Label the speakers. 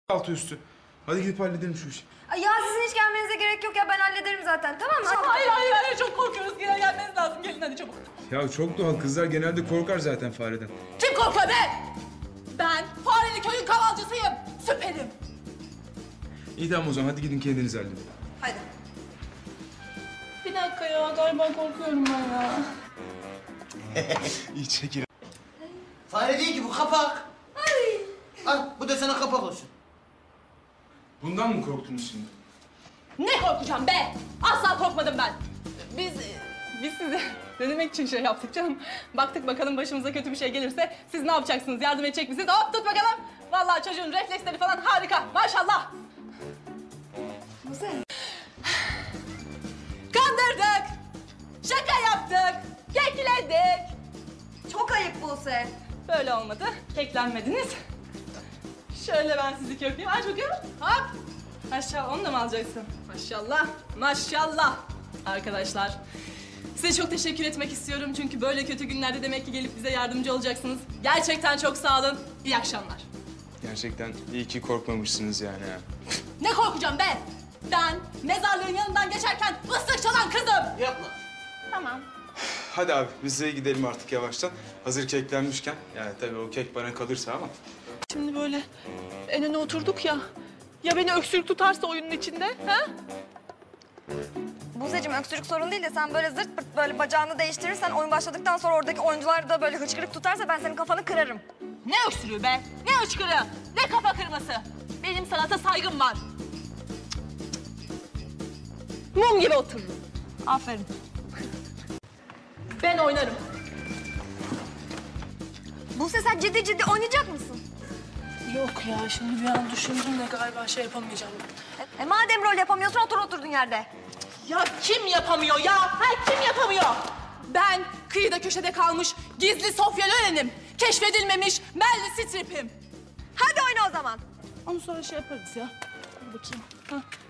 Speaker 1: altı üstü. Hadi gidip halledelim şu işi.
Speaker 2: Ay ya sizin hiç gelmenize gerek yok ya, ben hallederim zaten, tamam mı?
Speaker 3: Hayır, çok korkuyoruz. Gelmeniz lazım, gelin hadi çabuk.
Speaker 1: Ya çok doğal, kızlar genelde korkar zaten fareden.
Speaker 3: Kim korkuyor be? Ben Fareli köyün kavalcısıyım, süperim.
Speaker 1: İyi tamam o zaman, hadi gidin kendiniz halledin.
Speaker 2: Hadi.
Speaker 3: Bir dakika ya, galiba korkuyorum ben ya.
Speaker 1: İyi çekil.
Speaker 4: Fare değil ki bu, kapak.
Speaker 2: Ay.
Speaker 4: Al bu da sana kapak olsun.
Speaker 1: Bundan mı korktunuz şimdi?
Speaker 3: Ne korkacağım be? Asla korkmadım ben. Biz sizi denemek için şey yaptık canım. Baktık bakalım başımıza kötü bir şey gelirse siz ne yapacaksınız? Yardım edecek misiniz? Hop tut bakalım. Vallahi çocuğun refleksleri falan harika. Maşallah.
Speaker 2: Buse.
Speaker 3: Kandırdık. Şaka yaptık. Kekledik.
Speaker 2: Çok ayıp Buse.
Speaker 3: Böyle olmadı. Keklenmediniz. Şöyle ben sizi kökleyeyim. Aç bakalım. Hop. Maşallah, onu da mı alacaksın? Maşallah. Maşallah. Arkadaşlar, size çok teşekkür etmek istiyorum. Çünkü böyle kötü günlerde demek ki gelip bize yardımcı olacaksınız. Gerçekten çok sağ olun. İyi akşamlar.
Speaker 1: Gerçekten iyi ki korkmamışsınız yani ha.
Speaker 3: Ne korkacağım be? Ben mezarlığın yanından geçerken ıslık çalan kızım.
Speaker 4: Yapma.
Speaker 3: Tamam.
Speaker 1: Hadi abi biz de gidelim artık yavaştan. Hazır keklenmişken. Yani tabii o kek bana kalırsa ama.
Speaker 3: Şimdi böyle en öne oturduk ya. Ya beni öksürük tutarsa oyunun içinde, ha?
Speaker 2: Buse'cim öksürük sorun değil de sen böyle zırt pırt böyle bacağını değiştirirsen, oyun başladıktan sonra oradaki oyuncular da böyle hıçkırık tutarsa ben senin kafanı kırarım.
Speaker 3: Ne öksürüğü be? Ne hıçkırığı? Ne kafa kırması? Benim sanata saygım var. Mum gibi otururum. Aferin. Ben oynarım.
Speaker 2: Buse sen ciddi ciddi oynayacak mısın?
Speaker 3: Yok ya, şimdi bir an düşündüm de galiba şey yapamayacağım.
Speaker 2: Madem rol yapamıyorsun otur oturduğun yerde.
Speaker 3: Ya kim yapamıyor ya? Ha, kim yapamıyor? Ben kıyıda köşede kalmış gizli Sofya Loren'im. Keşfedilmemiş Meryl Streep'im.
Speaker 2: Hadi oyna o zaman.
Speaker 3: Onu sonra şey yaparız ya. Dur bakayım. Ha.